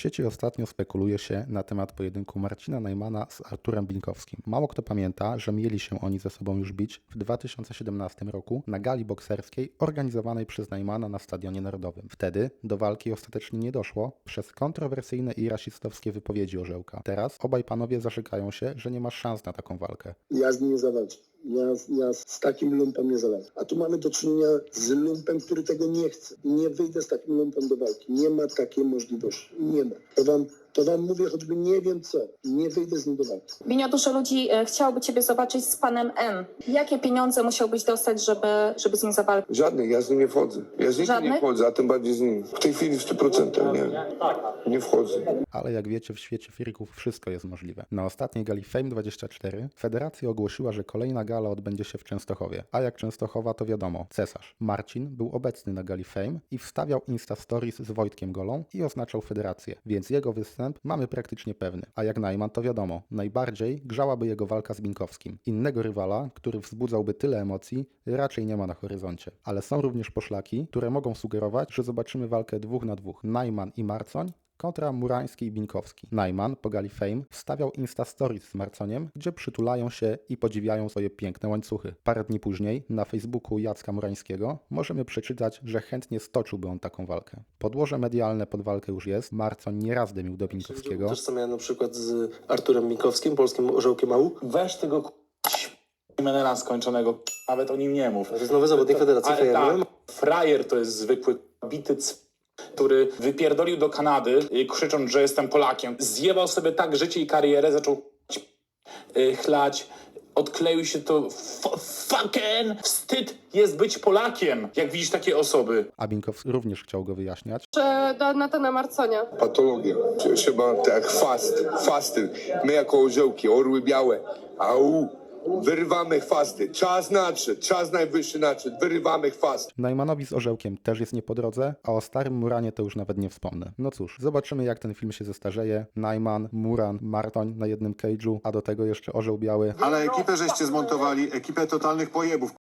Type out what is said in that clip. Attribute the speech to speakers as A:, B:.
A: sieci ostatnio spekuluje się na temat pojedynku Marcina Najmana z Arturem Binkowskim. Mało kto pamięta, że mieli się oni ze sobą już bić w 2017 roku na gali bokserskiej organizowanej przez Najmana na Stadionie Narodowym. Wtedy do walki ostatecznie nie doszło przez kontrowersyjne i rasistowskie wypowiedzi Orzełka. Teraz obaj panowie zarzekają się, że nie ma szans na taką walkę.
B: Ja z nim nie zawalczę. Ja z takim lumpem nie zawalczę. A tu mamy do czynienia z lumpem, który tego nie chce. Nie wyjdę z takim lumpem do walki. Nie ma takiej możliwości. Nie ma. To wam mówię, choćby nie wiem co. Nie wyjdę z nim do walki.
C: Binio, dużo ludzi chciałoby ciebie zobaczyć z panem M. Jakie pieniądze musiałbyś dostać, żeby z nim zawalczyć?
D: Żadnych, ja z nim nie wchodzę. Ja z nikim nie wchodzę, a tym bardziej z nim. W tej chwili w 100% nie wchodzę.
A: Ale jak wiecie, w świecie freaków wszystko jest możliwe. Na ostatniej gali Fame24 federacja ogłosiła, że kolejna gala odbędzie się w Częstochowie. A jak Częstochowa, to wiadomo, cesarz. Marcin był obecny na gali Fame i wstawiał Insta Stories z Wojtkiem Golą i oznaczał federację, więc jego występ mamy praktycznie pewny. A jak Najman, to wiadomo, najbardziej grzałaby jego walka z Binkowskim. Innego rywala, który wzbudzałby tyle emocji, raczej nie ma na horyzoncie. Ale są również poszlaki, które mogą sugerować, że zobaczymy walkę 2 na 2. Najman i Marcoń kontra Murański i Binkowski. Najman po gali Fame wstawiał Insta Stories z Marconiem, gdzie przytulają się i podziwiają swoje piękne łańcuchy. Parę dni później na Facebooku Jacka Murańskiego możemy przeczytać, że chętnie stoczyłby on taką walkę. Podłoże medialne pod walkę już jest. Marcoń nieraz dymił do Binkowskiego.
E: Tożsamiałem na przykład z Arturem Binkowskim, polskim orzełkiem AU.
F: Weź tego menela skończonego, nawet o nim nie mów.
E: To jest nowy zawodnik Federacji
F: Ale
E: Fajerem.
F: tak, frajer to jest zwykły bity który wypierdolił do Kanady, krzycząc, że jestem Polakiem. Zjebał sobie tak życie i karierę, zaczął chlać. Odkleił się to fucking wstyd jest być Polakiem, jak widzisz takie osoby.
A: A Binkowski również chciał go wyjaśniać.
G: Że do Natana Marconia.
D: Patologia. Trzeba tak chwasty. My jako orzełki, orły białe. Au. Wyrywamy chwasty. Czas nadszedł. Czas najwyższy nadszedł. Wyrywamy chwasty.
A: Najmanowi z Orzełkiem też jest nie po drodze, a o starym Muranie to już nawet nie wspomnę. No cóż, zobaczymy jak ten film się zestarzeje. Najman, Muran, Martoń na jednym cage'u, a do tego jeszcze Orzeł Biały.
H: Ale ekipę żeście zmontowali, ekipę totalnych pojebów.